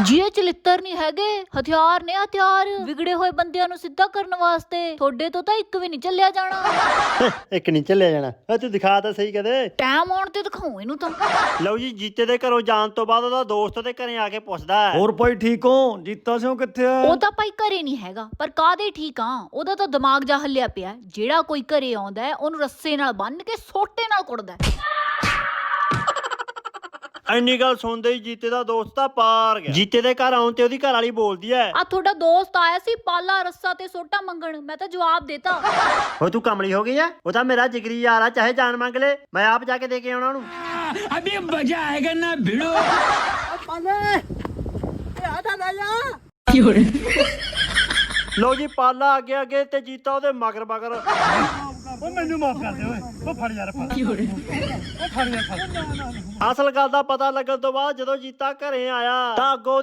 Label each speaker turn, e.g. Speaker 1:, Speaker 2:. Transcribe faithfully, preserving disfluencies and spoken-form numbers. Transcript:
Speaker 1: ਜੀ ਇਹ ਚਲਿੱਤਰ ਨਹੀਂ ਹੈਗੇ, ਹਥਿਆਰ ਨੇ ਹਥਿਆਰ, ਵਿਗੜੇ ਹੋਏ ਬੰਦਿਆਂ ਨੂੰ ਸਿੱਧਾ ਕਰਨ ਵਾਸਤੇ। ਤੁਹਾਡੇ ਤੋਂ ਤਾਂ ਇੱਕ ਵੀ ਨਹੀਂ ਚੱਲਿਆ ਜਾਣਾ।
Speaker 2: ਇੱਕ ਨਹੀਂ ਚੱਲਿਆ ਜਾਣਾ। ਆ ਤੂੰ ਦਿਖਾ ਤਾਂ ਸਹੀ ਕਦੇ।
Speaker 1: ਟਾਈਮ ਆਉਣ ਤੇ ਦਿਖਾਉ ਇਹਨੂੰ ਤਾਂ।
Speaker 2: ਲਓ ਜੀ, ਜੀਤੇ ਦੇ ਘਰੋਂ ਜਾਣ ਤੋਂ ਬਾਅਦ ਉਹਦਾ ਦੋਸਤ ਦੇ ਘਰੇ ਆ ਕੇ ਪੁੱਛਦਾ ਹੈ,
Speaker 3: ਹੋਰ ਭਾਈ ਠੀਕ ਹੋ? ਜੀਤਾ ਸਿੰਘ ਕਿੱਥੇ ਆ?
Speaker 1: ਉਹ ਤਾਂ ਭਾਈ ਘਰੇ ਨਹੀਂ ਹੈਗਾ, ਪਰ ਕਾਹਦੇ ਠੀਕ ਆ, ਉਹਦਾ ਤਾਂ ਦਿਮਾਗ ਜਾ ਹੱਲਿਆ ਪਿਆ। ਜਿਹੜਾ ਕੋਈ ਘਰੇ ਆਉਂਦਾ ਹੈ ਉਹਨੂੰ ਰੱਸੇ ਨਾਲ ਬੰਨ ਕੇ ਸੋਟੇ ਨਾਲ ਕੁੱਟਦਾ।
Speaker 2: ਇੰਨੀ ਗੱਲ ਸੁਣਦੇ ਹੀ ਜੀਤੇ ਦਾ ਦੋਸਤ ਤਾਂ ਪਾਰ ਗਿਆ। ਜੀਤੇ ਦੇ ਘਰ ਆਉਣ ਤੇ ਉਹਦੀ ਘਰ ਵਾਲੀ ਬੋਲਦੀ ਹੈ,
Speaker 1: ਆ ਤੁਹਾਡਾ ਦੋਸਤ ਆਇਆ ਸੀ ਪਾਲਾ ਰੱਸਾ ਤੇ ਸੋਟਾ ਮੰਗਣ, ਮੈਂ ਤਾਂ ਜਵਾਬ ਦੇਤਾ।
Speaker 2: ਹੋ ਤੂੰ ਕਮਲੀ ਹੋ ਗਈ ਆ? ਉਹ ਤਾਂ ਮੇਰਾ ਜਿਗਰੀ ਯਾਰ ਆ, ਚਾਹੇ ਜਾਨ ਮੰਗ ਲੈ, ਮੈਂ ਆਪ ਜਾ ਕੇ ਦੇ ਕੇ ਆਉਣਾ ਉਹਨੂੰ।
Speaker 4: अभी मजा आएगा ना भिड़ो।
Speaker 2: ਲਓ ਜੀ, ਪਾਲਾ ਅੱਗੇ ਅੱਗੇ ਤੇ ਜੀਤਾ ਉਹਦੇ ਮਗਰ ਮਗਰ। ਉਹ ਮੈਨੂੰ ਮਾਫ ਕਰ ਦੇ ਓਏ, ਉਹ ਫੜ ਯਾਰ ਫੜ। ਉਹ ਫੜ ਯਾਰ ਫੜ। ਅਸਲ ਗੱਲ ਦਾ ਪਤਾ ਲੱਗਣ ਤੋਂ ਬਾਅਦ ਜਦੋਂ ਜੀਤਾ ਘਰੇ ਆਇਆ ਤਾਂ ਅੱਗੋਂ